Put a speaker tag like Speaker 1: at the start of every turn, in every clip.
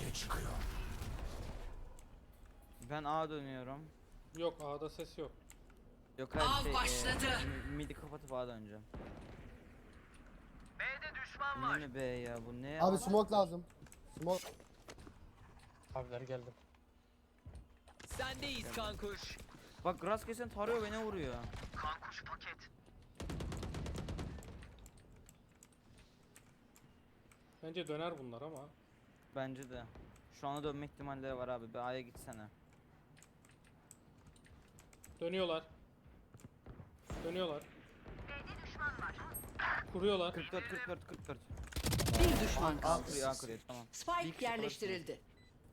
Speaker 1: Ben A dönüyorum.
Speaker 2: Yok A'da ses yok.
Speaker 1: Yok hayır
Speaker 3: Av başladı.
Speaker 1: midi kapatıp A döneceğim.
Speaker 4: B'de düşman
Speaker 1: Yine
Speaker 4: var.
Speaker 1: mi B ya bu ne?
Speaker 5: Abi smoke lazım. Smoke.
Speaker 6: Abiler geldim.
Speaker 4: Sendeyiz kankuş.
Speaker 1: Bak Grass kesen tarıyor beni vuruyor.
Speaker 4: Kankuş paket.
Speaker 2: Bence döner bunlar ama.
Speaker 1: Bence de. Şu anda dönme ihtimalleri var abi. Bir A'ya gitsene.
Speaker 2: Dönüyorlar. Dönüyorlar. Kuruyorlar.
Speaker 1: 44 44 44.
Speaker 3: Bir düşman
Speaker 1: A
Speaker 3: kaldı.
Speaker 1: kuruyor A kuruyor tamam. Bir
Speaker 3: Spike
Speaker 1: kişi
Speaker 3: yerleştirildi.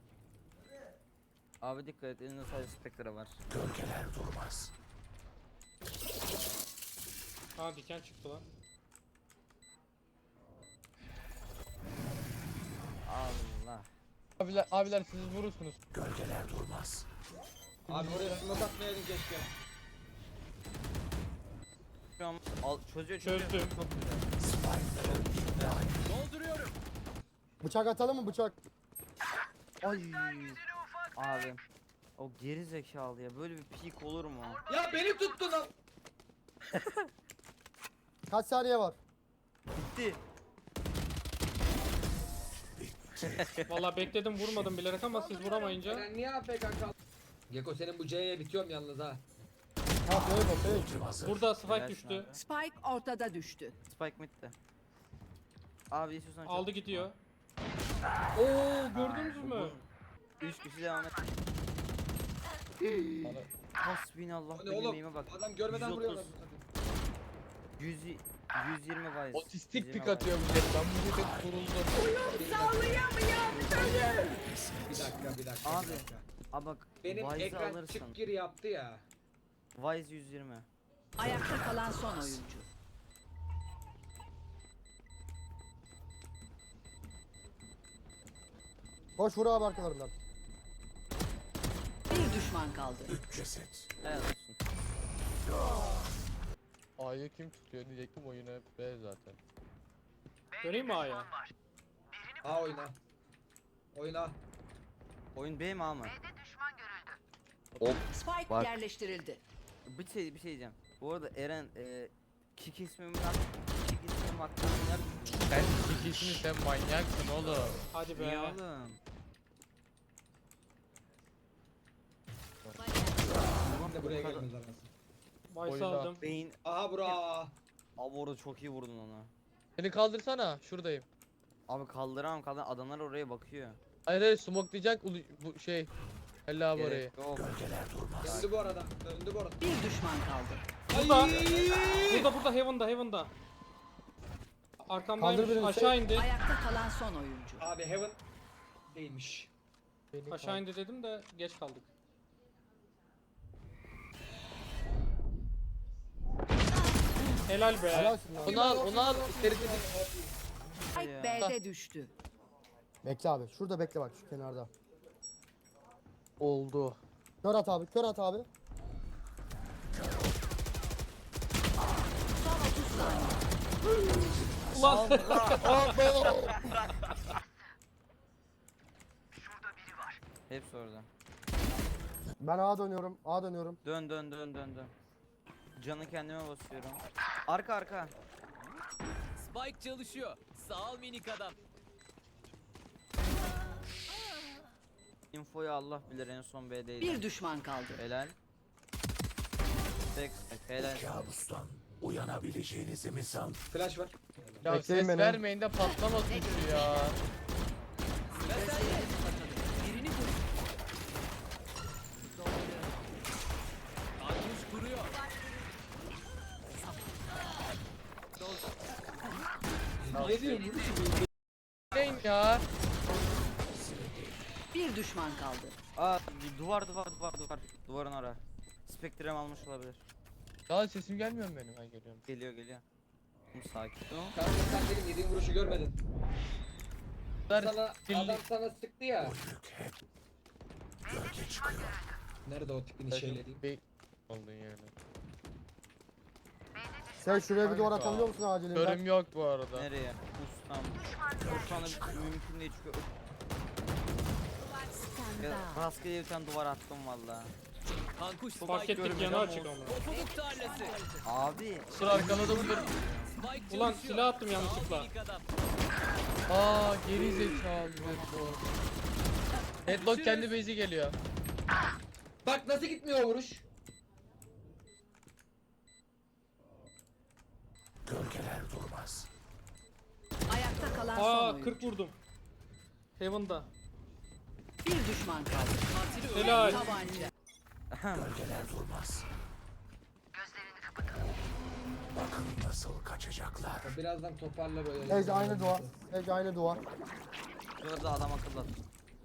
Speaker 1: Abi dikkat et elinde sadece Spectre var.
Speaker 2: Ha diken çıktı lan.
Speaker 1: Allah.
Speaker 6: Abiler siz vurursunuz.
Speaker 7: Abi oraya smoke atmayaydın keşke.
Speaker 1: Şu an çözüyor.
Speaker 2: Çözdüm.
Speaker 1: Çok güzel.
Speaker 4: Dolduruyorum.
Speaker 5: Bıçak atalım mı bıçak?
Speaker 1: Ay. Abi. O geri zekalı ya. Böyle bir peak olur mu?
Speaker 7: Ya beni tuttu lan.
Speaker 5: Kaç saniye var?
Speaker 1: Bitti.
Speaker 2: Vallahi bekledim vurmadım bilerek ama siz vuramayınca.
Speaker 7: Sen niye AFK kaldın? Geko senin bu C'ye bitiyorum yalnız ha.
Speaker 5: Ha fake.
Speaker 2: Burada spike
Speaker 1: Helal
Speaker 2: düştü.
Speaker 1: sana.
Speaker 3: Spike ortada düştü.
Speaker 1: Spike mid'de. Abi istiyorsan çok-
Speaker 2: Aldı gidiyor. Oo gördünüz mü?
Speaker 1: 3 kişi devam et. Hasbinallah
Speaker 7: O ne
Speaker 1: benim
Speaker 7: oğlum?
Speaker 1: neyime bak.
Speaker 7: Adam görmeden
Speaker 1: 130.
Speaker 7: vuruyorlar.
Speaker 1: 120 Vice.
Speaker 6: Otistik
Speaker 1: 120
Speaker 6: pik
Speaker 1: Vice.
Speaker 6: atıyor bu jet. Ben bu jete kuruldum.
Speaker 7: Bir dakika.
Speaker 1: Abi.
Speaker 7: Bir dakika.
Speaker 1: Abi bak
Speaker 7: Benim
Speaker 1: Vice'ı
Speaker 7: ekran
Speaker 1: alırsın.
Speaker 7: çık gir yaptı ya.
Speaker 1: Vice 120.
Speaker 3: Ayakta kalan son oyuncu.
Speaker 5: Koş vur abi arkalarından.
Speaker 3: Bir düşman kaldı.
Speaker 1: Helal olsun.
Speaker 6: A'yı kim tutuyor diyecektim oyuna B zaten.
Speaker 2: Döneyim mi A'ya?
Speaker 7: A oyna. Oyna.
Speaker 1: Oyun B mi A mı?
Speaker 3: Spike
Speaker 1: Bak.
Speaker 3: yerleştirildi.
Speaker 1: Bir şey diyeceğim. Bu arada Eren kick ismim hakkında neler düşünüyorsun?
Speaker 6: Sen ikisini sen manyaksın oğlum.
Speaker 2: Hadi
Speaker 1: Niye
Speaker 2: be.
Speaker 1: oğlum?
Speaker 7: Tamam da buraya gelmez arasın.
Speaker 2: Vice
Speaker 6: Oyna.
Speaker 2: aldım.
Speaker 1: Beyin.
Speaker 7: Aha bura.
Speaker 1: Abi orada çok iyi vurdun onu.
Speaker 6: Beni kaldırsana şuradayım.
Speaker 1: Abi kaldıramam adamlar oraya bakıyor.
Speaker 6: Hayır smoklayacak bu şey. Hella abi orayı.
Speaker 1: Gerek yok.
Speaker 7: Döndü bu arada. Döndü bu arada.
Speaker 3: Bir düşman kaldı.
Speaker 2: Burada Heaven'da. Arkamdaymış.
Speaker 5: Kaldır birini,
Speaker 2: Aşağı indi.
Speaker 3: Ayakta kalan son oyuncu.
Speaker 7: Abi Heaven değilmiş.
Speaker 6: Beni
Speaker 2: Aşağı indi dedim de geç kaldık. Helal be.
Speaker 5: Helalsin lan.
Speaker 6: Onu al. İçeri
Speaker 3: Spike
Speaker 1: Ya.
Speaker 3: B'de düştü.
Speaker 5: Bekle abi. Şurada bekle bak şu kenarda.
Speaker 6: oldu.
Speaker 5: Kör at abi. Kör at abi.
Speaker 3: Son 30 saniye.
Speaker 2: Ulan.
Speaker 1: Hepsi orada.
Speaker 5: Ben A dönüyorum. A dönüyorum.
Speaker 1: Dön. Canı kendime basıyorum. Arka.
Speaker 4: Spike çalışıyor. Sağ ol minik adam.
Speaker 1: Infoyu Allah bilir en son B'deydi.
Speaker 3: Bir düşman kaldı.
Speaker 1: Helal. Tek helal.
Speaker 7: Flash var.
Speaker 6: Ya
Speaker 5: Bekleyin
Speaker 6: ses
Speaker 5: beni.
Speaker 6: vermeyin de patlamasın şu ya.
Speaker 4: Sıra sende. Birini vur. Kankuş kuruyor.
Speaker 7: Ne diyorsun?
Speaker 6: Neyin ya?
Speaker 3: Bir düşman kaldı.
Speaker 1: Aa duvar. Duvarın ara. Spectre'm almış olabilir.
Speaker 6: Daha sesim gelmiyor mu benim? Ha geliyorum.
Speaker 1: Geliyor. Sakin ol.
Speaker 7: Kanka sen benim yediğim vuruşu görmedin. Sana
Speaker 6: Pilli-
Speaker 7: adam sana sıktı ya. Nerede o tipin şeyleri?
Speaker 6: Bey oldun yani.
Speaker 5: Sen şuraya bir duvar
Speaker 6: Kanka.
Speaker 5: atabiliyor musun acilinden?
Speaker 6: Körüm yok bu arada.
Speaker 1: Nereye? Ustam. Şu anda mümkün değil çünkü Rastgele bir tane duvar attım valla.
Speaker 4: Kankuş
Speaker 2: Fark
Speaker 4: Spike
Speaker 2: ettik yanı açık ama.
Speaker 4: Pofuduk tarlası.
Speaker 1: Abi
Speaker 6: Dur arkaladım dur.
Speaker 4: Spike
Speaker 2: Ulan
Speaker 4: çalışıyor.
Speaker 2: silah attım
Speaker 4: Sağ ol
Speaker 2: yanlışlıkla.
Speaker 4: minik adam.
Speaker 6: Aa geri zekalı Deadlock. Deadlock kendi base'i geliyor.
Speaker 7: Bak nasıl gitmiyor o vuruş.
Speaker 3: Ayakta kalan son
Speaker 2: Aa
Speaker 3: oyuncu.
Speaker 2: 40 vurdum. Heaven'da.
Speaker 3: Bir düşman kaldı.
Speaker 4: Katili öldü.
Speaker 2: Helal.
Speaker 3: Tabanca.
Speaker 7: Birazdan toparlar o yolu.
Speaker 5: Sage aynı duvar. Sage aynı duvar.
Speaker 1: şurada adam akıllı attım.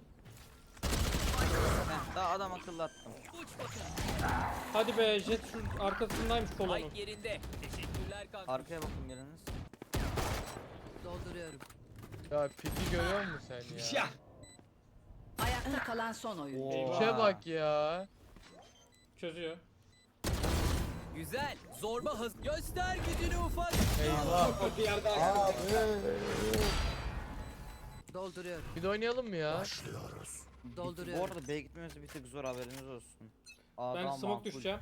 Speaker 1: Daha adam akıllı attım.
Speaker 4: Uç bakalım.
Speaker 2: Hadi be jet şu arkasındaymış kolonun.
Speaker 4: Spike yerinde. Teşekkürler kankuş.
Speaker 1: Arkaya bakın biriniz.
Speaker 3: Dolduruyorum.
Speaker 6: Ya piki görüyor musun sen ya?
Speaker 7: Ya.
Speaker 3: Ayakta kalan son oyuncu.
Speaker 1: Oo.
Speaker 6: İşe bak ya.
Speaker 2: Çözüyor.
Speaker 4: Güzel. Zorba hız. Göster gücünü ufak.
Speaker 6: Eyvah.
Speaker 7: Bir yer daha.
Speaker 5: Abi.
Speaker 3: Dolduruyorum.
Speaker 6: Bir de oynayalım mı ya?
Speaker 1: Bu
Speaker 3: Dolduruyorum.
Speaker 1: arada B'ye gitmemiz bir tık zor, haberiniz olsun.
Speaker 2: Ben
Speaker 1: Adam
Speaker 2: smoke
Speaker 1: makul.
Speaker 2: düşeceğim.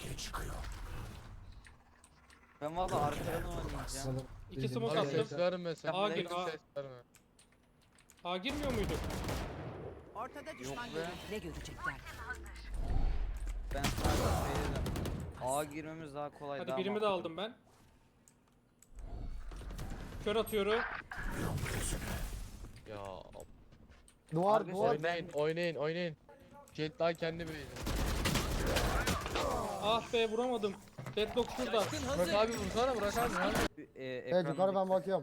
Speaker 1: Ben valla arkadan oynayacağım.
Speaker 2: 2 smoke
Speaker 6: Abi
Speaker 2: attım.
Speaker 6: ses verme sen.
Speaker 2: A gir, A.
Speaker 6: Ses verme.
Speaker 2: A girmiyor muyduk?
Speaker 3: Ortada
Speaker 1: Yok
Speaker 3: düşman
Speaker 1: be.
Speaker 3: görüldü. Ne görecekler?
Speaker 1: Ben sadece şey dedim. A girmemiz daha kolay.
Speaker 2: Hadi
Speaker 1: daha
Speaker 2: birimi de
Speaker 1: makul.
Speaker 2: aldım ben. Kör atıyorum.
Speaker 6: Ya
Speaker 5: Duvar
Speaker 1: Arkadaşlar,
Speaker 5: duvar.
Speaker 6: oynayın. Jet daha kendi base'i.
Speaker 2: Ah be vuramadım. Deadlock şurada.
Speaker 4: Şaşkın
Speaker 6: Burak
Speaker 4: hazır.
Speaker 6: abi vursana Burak abi. Hadi.
Speaker 5: Evet yukarı ben bakıyorum.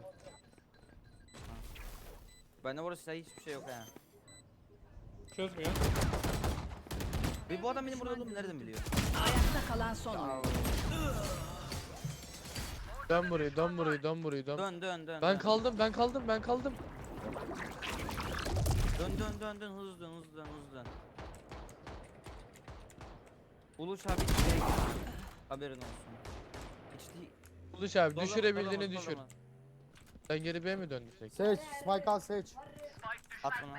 Speaker 1: Bende bu arada hiçbir şey yok ha.
Speaker 2: Çözmüyor.
Speaker 1: Ve bu adam benim burada olduğumu nereden biliyor?
Speaker 3: Ayakta kalan son oyuncu.
Speaker 6: Dön burayı dön.
Speaker 1: Dön.
Speaker 6: Ben kaldım.
Speaker 1: Dön hızlı dön. Uluç abi şey, haberin olsun. Hiç değil.
Speaker 6: Uluş abi
Speaker 1: Dolama,
Speaker 6: düşürebildiğini
Speaker 1: dolama,
Speaker 6: düşür.
Speaker 1: dolama.
Speaker 6: Sen geri B'ye mi döndürsek?
Speaker 5: Sage. Spike al Sage.
Speaker 1: At bunu.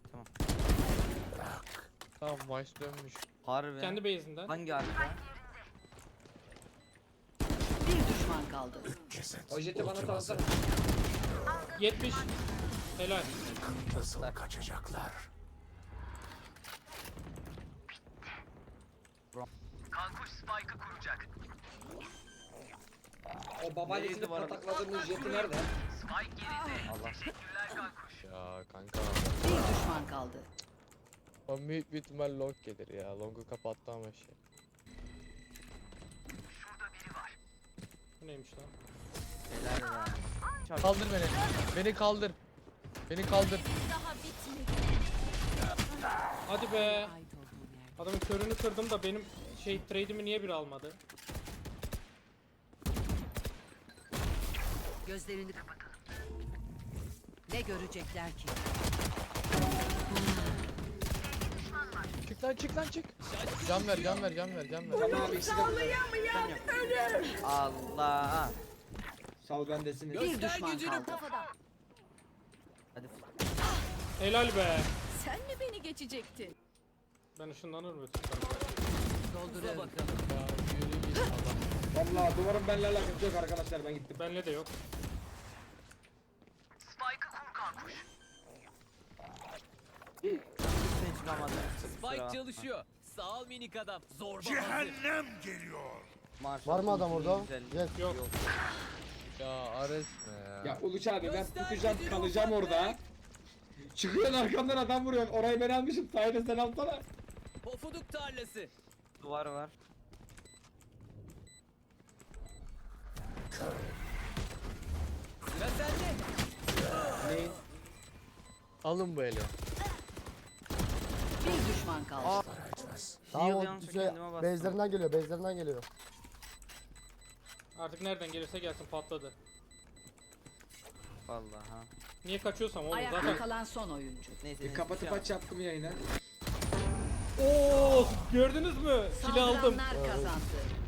Speaker 6: Tamam maç dönmüş.
Speaker 1: Harbi.
Speaker 2: Kendi base'inden.
Speaker 1: Hangi harita?
Speaker 3: Bir düşman kaldı.
Speaker 7: O jeti bana salsana.
Speaker 2: 70. Helal.
Speaker 7: O babaannesini
Speaker 1: Neydi bu arada?
Speaker 7: patakladığımız jeti nerede?
Speaker 1: Allah.
Speaker 6: Ya kanka.
Speaker 3: Bir düşman kaldı.
Speaker 6: O büyük bir ihtimal long gelir ya. Long'u kapattı ama şey.
Speaker 2: Bu neymiş lan?
Speaker 1: Helal be.
Speaker 6: Kaldır beni. Beni kaldır.
Speaker 2: Hadi be.
Speaker 3: Ait olduğum yer.
Speaker 2: Adamın körünü kırdım da benim şey trade'imi niye biri almadı?
Speaker 3: Gözlerini kapatalım. Ne görecekler ki?
Speaker 6: Çık lan çık. Can ver.
Speaker 7: Tamam abi ikisi de burada.
Speaker 1: Allah.
Speaker 7: Sal bendesini.
Speaker 3: Bir
Speaker 4: Göster
Speaker 3: düşman
Speaker 4: gücünü
Speaker 3: kaldı.
Speaker 4: kafadan.
Speaker 1: Hadi.
Speaker 2: Helal be.
Speaker 3: Sen mi beni geçecektin?
Speaker 2: Ben ışınlanır mı?
Speaker 4: Uza
Speaker 3: Dolduruyorum.
Speaker 4: bakalım.
Speaker 6: Ya yürü git Allah.
Speaker 7: Vallahi duvarın benimle alakası yok arkadaşlar, ben gittim.
Speaker 2: Benle de yok.
Speaker 1: Kimse çıkamadı.
Speaker 4: Spike çalışıyor. Sağ ol minik adam. Zorba hazır.
Speaker 1: Maşallah,
Speaker 5: Var mı adam orada?
Speaker 1: güzel.
Speaker 5: Yes.
Speaker 2: Yok.
Speaker 6: Ya Ares ne ya?
Speaker 7: Ya Uluç abi ben
Speaker 4: Göster
Speaker 7: tutacağım
Speaker 4: gücünü
Speaker 7: kalacağım
Speaker 4: ufak
Speaker 7: orada. Çıkıyorsun arkamdan adam vuruyorsun. Orayı ben almışım. Sayede sen alsana.
Speaker 4: Pofuduk tarlası.
Speaker 1: Duvar var.
Speaker 4: Sıra sende.
Speaker 7: Neyin?
Speaker 6: Alın bu eli.
Speaker 3: Bir düşman kaldı.
Speaker 5: Tamam
Speaker 1: Shield
Speaker 5: o
Speaker 1: yanlışlıkla
Speaker 5: şey
Speaker 1: kendime bastım.
Speaker 5: base'lerinden geliyor.
Speaker 2: Artık nereden gelirse gelsin patladı.
Speaker 1: Vallahi ha.
Speaker 2: Niye kaçıyorsam oğlum
Speaker 3: Ayakta
Speaker 2: zaten.
Speaker 3: kalan son oyuncu.
Speaker 1: Neyse.
Speaker 7: Kapatıp aç yaptım yayına.
Speaker 2: Oo gördünüz mü? Kill aldım.
Speaker 3: Saldıranlar kazandı.